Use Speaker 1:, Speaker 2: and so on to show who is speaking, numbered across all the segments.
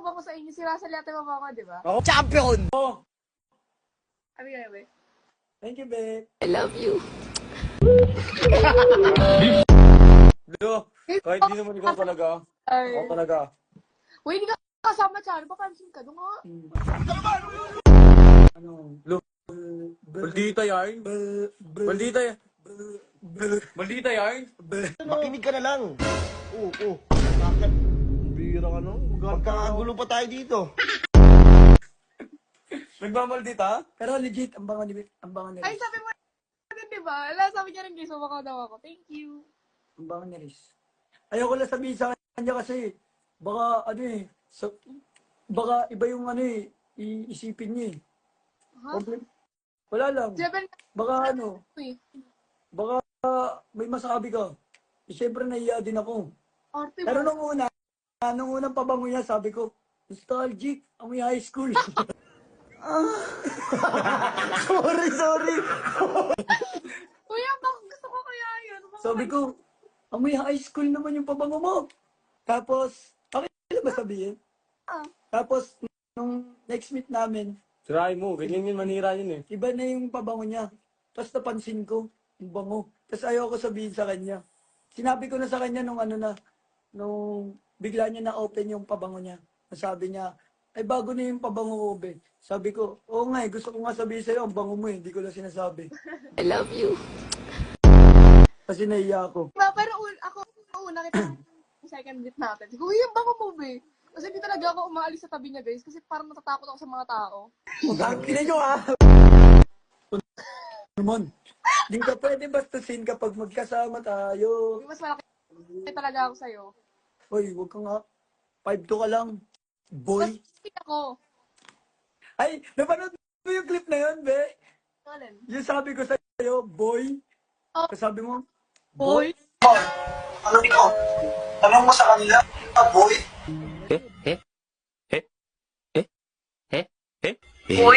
Speaker 1: mabango sa inyo. Si Russell yata mabango, di ba?
Speaker 2: Ako, champion! Oh,
Speaker 1: Ano nga, be?
Speaker 2: thank you, babe.
Speaker 3: I love you.
Speaker 2: Lo, kahit di naman ikaw talaga. Ako
Speaker 1: Ay.
Speaker 2: talaga.
Speaker 1: Uy, hindi ka kasama siya. Ano ba, pansin ka? Doon nga.
Speaker 2: Ano? Lo, maldita yan. Maldita yan. Maldita yan.
Speaker 4: Makinig ka na lang. Oo. Bakit? Bira ka no? Magkakagulo pa tayo dito.
Speaker 2: Nagmamaldita? Pero legit, ang bango ni
Speaker 1: Ay,
Speaker 2: Riz.
Speaker 1: sabi mo din, di ba? Ala, sabi niya rin, guys, mabakaw daw ako. Thank you.
Speaker 2: Ang bango ni Riz. Ayoko lang sabihin sa kanya kasi baka baka iba yung iisipin niya eh.
Speaker 1: Ha?
Speaker 2: Wala lang.
Speaker 1: Seven,
Speaker 2: Baka
Speaker 1: uy.
Speaker 2: baka may masabi ka. Eh, syempre nahiya din ako.
Speaker 1: Arte
Speaker 2: Pero
Speaker 1: mo.
Speaker 2: nung unang pabango niya, sabi ko, nostalgic, amoy high school. Sorry.
Speaker 1: Uy, baka gusto ko kaya yun.
Speaker 2: Sabi ko, amoy high school naman yung pabango mo. Tapos, okay lang ba sabihin?
Speaker 1: Ah.
Speaker 2: Tapos, nung next meet namin,
Speaker 5: Try mo, ganyan yun, manira yun eh.
Speaker 2: iba na yung pabango niya. Tapos napansin ko, yung bango. Tapos ayoko sabihin sa kanya. Sinabi ko na sa kanya nung bigla niya na-open yung pabango niya. Sabi niya, ay bago na yung pabango ko, be. Sabi ko, oo nga gusto ko nga sabihin sa'yo, ang bango mo eh, hindi ko lang sinasabi.
Speaker 3: I love you.
Speaker 2: Kasi nahiya ako.
Speaker 1: Diba, pero ako, una kita yung second date natin. Sige, uy, yung baka mo, be. Kasi hindi talaga ako umaalis sa tabi niya, guys. Kasi parang natatakot ako sa mga tao.
Speaker 2: Magkakina nyo ah! Naman, di ka pwede bastusin kapag magkasama tayo.
Speaker 1: Mas malaki talaga ako sa'yo.
Speaker 2: Hoy, huwag ka nga. 5'2" ka lang. Boy.
Speaker 1: Mas ako.
Speaker 2: Ay, napanood mo yung clip na yun, be?
Speaker 1: Alin?
Speaker 2: Yung sabi ko sa'yo, boy.
Speaker 1: Oh.
Speaker 2: Sabi mo,
Speaker 1: Boy?
Speaker 4: Ano ikaw? Tanong mo sa kanila, boy?
Speaker 1: Boy?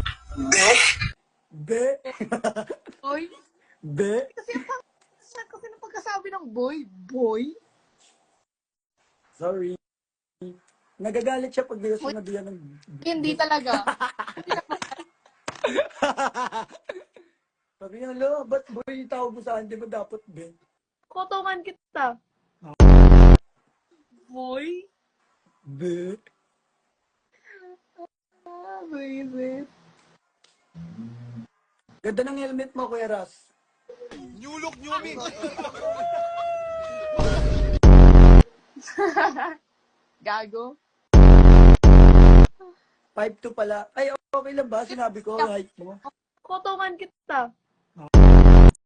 Speaker 2: be,
Speaker 1: Boy?
Speaker 2: be.
Speaker 1: Kasi nung pagkasabi ng boy, boy?
Speaker 2: Sorry. Nagagalit siya pag di ko sinabihan ng...
Speaker 1: Hindi talaga.
Speaker 2: Sabi niya, lo, ba't boy tawag mo sa akin? Di ba dapat be?
Speaker 1: Kotongan kita. Boy?
Speaker 2: Be.
Speaker 1: Ah, baby.
Speaker 2: Ganda ng helmet mo, Kuya Ras.
Speaker 1: Gago.
Speaker 2: 5'2" pala. Ay, okay lang ba? Sinabi ko, height mo.
Speaker 1: Kotongan kita.